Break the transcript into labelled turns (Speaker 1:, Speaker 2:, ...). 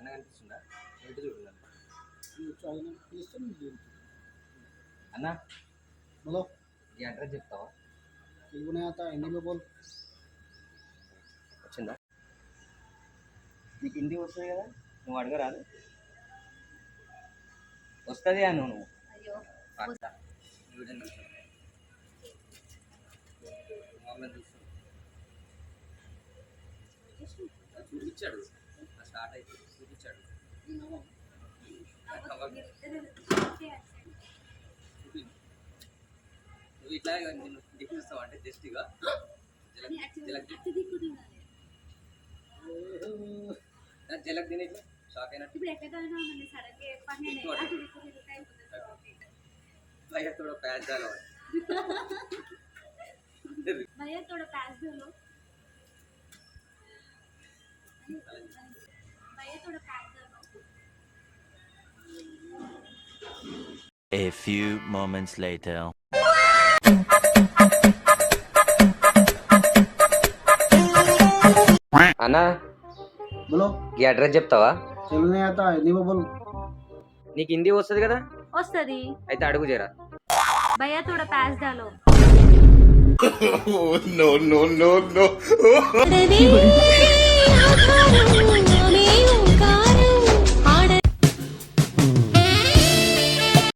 Speaker 1: చిన్నగా అనిపిస్తుందా ఏంటి చూడండి అన్న
Speaker 2: बोलो
Speaker 1: ఈ అడ్రస్ చెప్తావా
Speaker 2: तेलुगु नहीं आता हिंदी में बोल
Speaker 1: వచ్చిందా నీకు హిందీ వస్తుంది కదా నువ్వు అడగరాదు వస్తుంది అను నువ్వు
Speaker 3: అయ్యో
Speaker 1: పక్కా. వీడియో చూస్తాను. మామూలుగా చూస్తాను. అది చూపించాడు స్టార్ట్ అయితే చూపించాడు చూపి నువ్వు ఇట్లా నేను చూపిస్తావు అంటే జస్ట్ ఇక జలక్ తిని ఇట్లా షాక్ అయినట్టు
Speaker 3: ఇప్పుడు ఎక్కడైనా మన సడకే పని
Speaker 1: भैया थोड़ा पैस डालो
Speaker 3: भैया थोड़ा पैस दो लो भैया थोड़ा पैस दो लो
Speaker 4: A few moments later.
Speaker 1: అన్నా
Speaker 2: बोलो
Speaker 1: ఈ అడ్రస్ చెప్తావా
Speaker 2: तेलुगु नहीं आता हिंदी में बोल
Speaker 1: నీకు హిందీ వస్తుంది కదా
Speaker 3: వస్తది
Speaker 1: అయితే అడుగు జరా
Speaker 3: भैया थोड़ा पैस डालो
Speaker 4: No, no, no, no.